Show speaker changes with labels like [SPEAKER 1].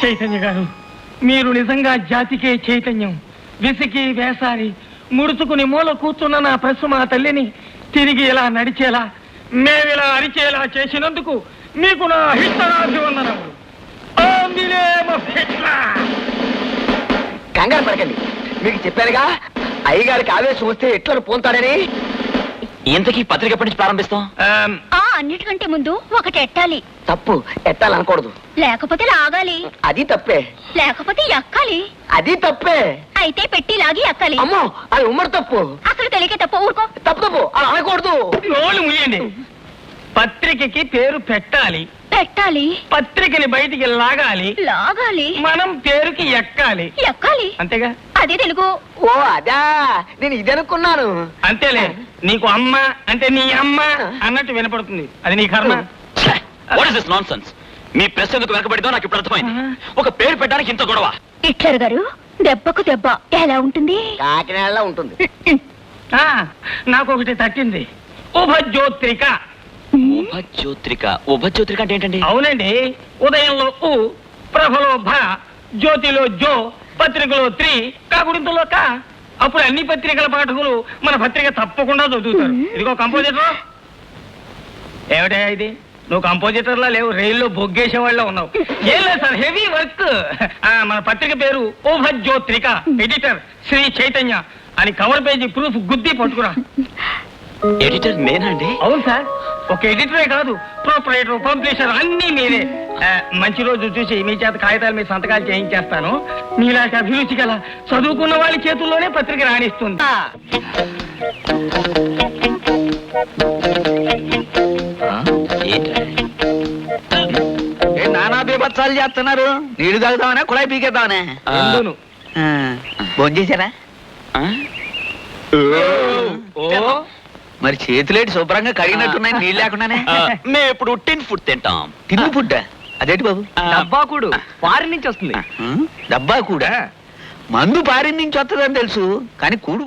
[SPEAKER 1] చైతన్య గారు, మీరు నిజంగా జాతికే చైతన్యం. విసికి వేసారి ముడుచుకుని మూల కూర్చున్న నా ప్రశ్న మా తల్లిని తిరిగి ఇలా నడిచేలా, మేమిలా అరిచేలా చేసినందుకు మీకు నా హితనాభివందనములు.
[SPEAKER 2] కంగారు పడకండి, మీకు చెప్పారుగా అయ్యగారికి ఆవేశం వస్తే ఎట్లా పోతాడని.
[SPEAKER 3] ఇంతకీ పత్రిక ఎప్పటి నుంచి ప్రారంభిస్తాం?
[SPEAKER 4] అన్నిటికంటే ముందు ఒకటి ఎట్టాలి.
[SPEAKER 2] తప్పు, ఎట్టాలనకూడదు.
[SPEAKER 4] లేకపోతే లాగాలి.
[SPEAKER 2] అది తప్పే.
[SPEAKER 4] లేకపోతే ఎక్కాలి.
[SPEAKER 2] అది తప్పే.
[SPEAKER 4] అయితే పెట్టి లాగి ఎక్కాలి.
[SPEAKER 2] అమ్మో, అది ఉమ్మడి తప్పు.
[SPEAKER 4] అసలు తెలియకే తప్పు. ఊరుకో.
[SPEAKER 2] తప్పు తప్పు, అలా అనకూడదు.
[SPEAKER 1] నోళ్ళు ముయ్యండి. పత్రికకి పేరు పెట్టాలి,
[SPEAKER 4] పెట్టాలి.
[SPEAKER 1] పత్రికని బయటికి లాగాలి,
[SPEAKER 4] లాగాలి.
[SPEAKER 1] మనం పేరుకి ఎక్కాలి.
[SPEAKER 4] ఎక్కాలి
[SPEAKER 1] అంతేగా?
[SPEAKER 4] అదే తెలుగు.
[SPEAKER 2] ఓ అదా, నేను ఇది అనుకున్నాను.
[SPEAKER 1] అంతేలే, నీకు అమ్మ అంటే నీ అమ్మ అన్నట్టు వినపడుతుంది. అది నీ కర్మ.
[SPEAKER 3] నాన్సెన్స్. మీ ప్రశ్న ఎందుకు వెనకబడిందో నాకు ఇప్పుడు అర్థమైంది. ఒక పేరు పెట్టడానికి ఇంత గొడవ.
[SPEAKER 4] హిట్లర్ గారు, దెబ్బకు దెబ్బ ఎలా ఉంటుంది?
[SPEAKER 2] కాకినాడలో ఉంటుంది.
[SPEAKER 1] నాకు ఒకటి తట్టింది. ఉభజ్యోత్రిక.
[SPEAKER 3] ఉభజ్యోత్రిక. ఉభజ్యోత్రిక అంటే ఏంటండి?
[SPEAKER 1] అవునండి, ఉదయంలో ఉ, ప్రభలో భ, జ్యోతిలో జో, పత్రికలో త్రి, కాకుడింతలో క. అప్పుడు అన్ని పత్రికల పాఠకులు మన పత్రిక తప్పకుండా చదువుతారు. ఇదిగో కంపోజిటర్. ఏమిటా ఇది? నువ్వు కంపోజిటర్లా లేవు, రైల్లో బొగ్గేసే వాళ్ళ ఉన్నావు. ఏం లేదు సార్, హెవీ వర్క్. మన పత్రిక పేరు ఉభజ్యోత్రిక. ఎడిటర్ శ్రీ చైతన్య అని కవర్ పేజీ ప్రూఫ్ గుద్ది పట్టుకురా.
[SPEAKER 3] ఎడిటర్ నేనండి?
[SPEAKER 1] అవును సార్, ఒక ఎడిటరే కాదు, ప్రొపరేటర్, పబ్లిషర్ అన్నీ మీరే. మంచి రోజు చూసి మీ చేత కాగితాల మీద సంతకాలు చేయించేస్తాను. మీలాంటి అభిరుచి గల చదువుకున్న వాళ్ళ చేతుల్లోనే పత్రిక రాణిస్తుంది.
[SPEAKER 5] నానా బీభత్సాలు చేస్తున్నారు. నీళ్లు తాగుతామనే కుళాయి పీకేద్దామనే. భోజనం చేశారా? మరి చేతులేటి శుభ్రంగా కడిగినట్టున్నాయి నీళ్ళు లేకుండానే.
[SPEAKER 3] మేము ఇప్పుడు టిన్ ఫుడ్ తింటాం.
[SPEAKER 5] తిండి ఫుడ్ అదేంటి బాబు?
[SPEAKER 1] డబ్బాకుడు ఫారిన్ నుంచి వస్తుంది.
[SPEAKER 5] డబ్బా కూడా మందు పారిన నుంచి వస్తుందని తెలుసు, కానీ కూడు